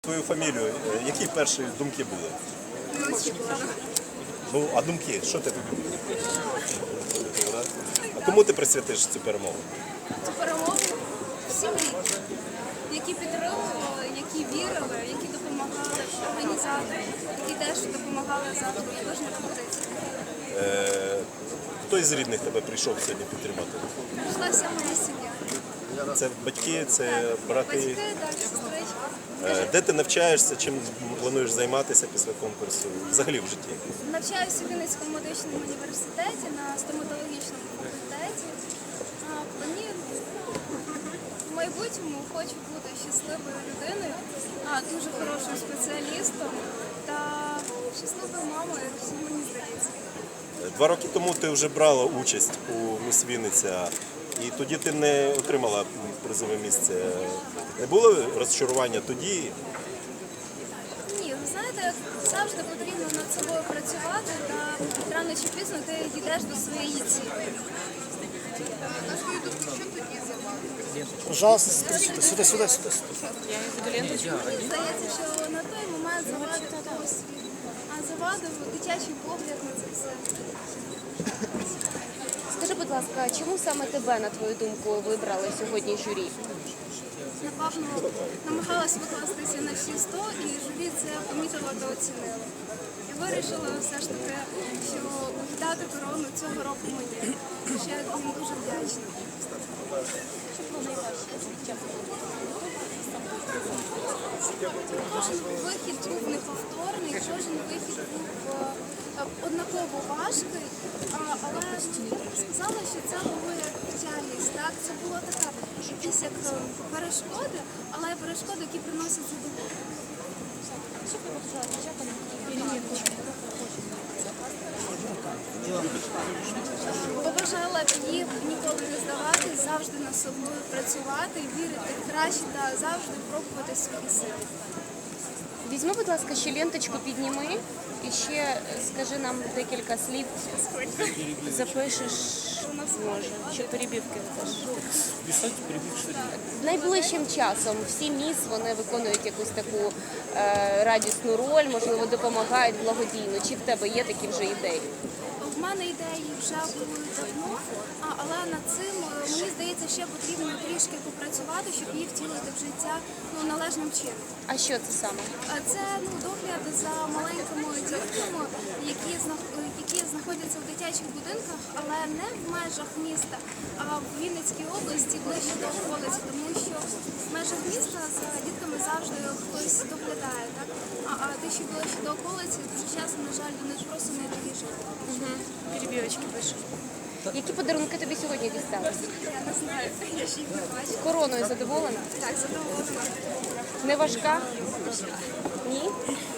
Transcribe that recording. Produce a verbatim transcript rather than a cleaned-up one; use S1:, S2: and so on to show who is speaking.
S1: твою фамілію, е, які перші думки були?
S2: Неочікувано.
S1: Ну, а думки, що ти тобі? А кому ти присвятиш цю перемогу?
S2: Цю перемогу всім рідним, які підтримували, які вірили, які допомагали організаторам, які теж допомагали завтра кожній компетиції.
S1: Е, хто із рідних тебе прийшов сьогодні підтримати?
S2: Прийшла вся моя сім'я.
S1: Це батьки, це брати.
S2: Батьки, так, сестричка.
S1: Е, де ти навчаєшся, чим плануєш займатися після конкурсу? Взагалі в житті?
S2: Навчаюся в Вінницькому медичному університеті на стоматологічному факультеті. А, Мені в майбутньому хочу бути щасливою людиною, а, дуже хорошим спеціалістом та щасливою мамою, всім мені здається.
S1: Два роки тому ти вже брала участь у «Міс Вінниця», і тоді ти не отримала призове місце. Не було розчарування тоді?
S2: Ні, ви знаєте, завжди потрібно над собою працювати, та рано чи пізно ти дійдеш до своєї цілі. На свою думку, що тоді займати?
S3: Пожалуйста, сюда, сюда, сюда, сюда.
S2: Мені здається, що на той момент завадив досвід, а завадив дитячий погляд на це все.
S4: Скажи, будь ласка, чому саме тебе, на твою думку, вибрали сьогодні журі?
S2: Напевно, намагалась викластися на всі сто, і журі це помітила та оцінила. І вирішила все ж таки, що дати корону цього року мені. Ще я їм дуже вдячна. Кожен вихід був неповторний, кожен вихід був е, однаково важкий, а, але я б сказала, що це була реальність. Так? Це була така якісь як е, перешкоди, але перешкоди, які приносять задоволення. Побажала б їм ніколи не здаватись, завжди над собою працювати, вірити в краще та завжди пробувати свої сили.
S4: Візьми, будь ласка, ще ленточку підніми і ще скажи нам декілька слів. Запишеш, може, чи перебівки теж.
S3: Писать, перебивши.
S4: Найближчим часом всі міс, вони виконують якусь таку е, радісну роль, можливо, допомагають благодійно. Чи в тебе є такі вже ідеї?
S2: В мене ідеї вже були давно, а, але над цим, е, мені здається, ще потрібно трішки попрацювати, щоб її втілити в життя ну, належним чином.
S4: А що це саме?
S2: А Це ну, догляд за маленькими дітками, які, знах- які знаходяться в дитячих будинках, але не в межах міста, а в Вінницькій області ближче до околиці, тому що в межах міста за дітками завжди хтось доглядає. Так? А, а ті, що ближче до околиці, дуже часто, на жаль, вони ж просто не доїжджають.
S4: Перебівочки пишу. Які подарунки тобі сьогодні дістались?
S2: Я не знаю, я ще їх не бачу.
S4: Короною задоволена?
S2: Так, задоволена.
S4: Не важка? Ні?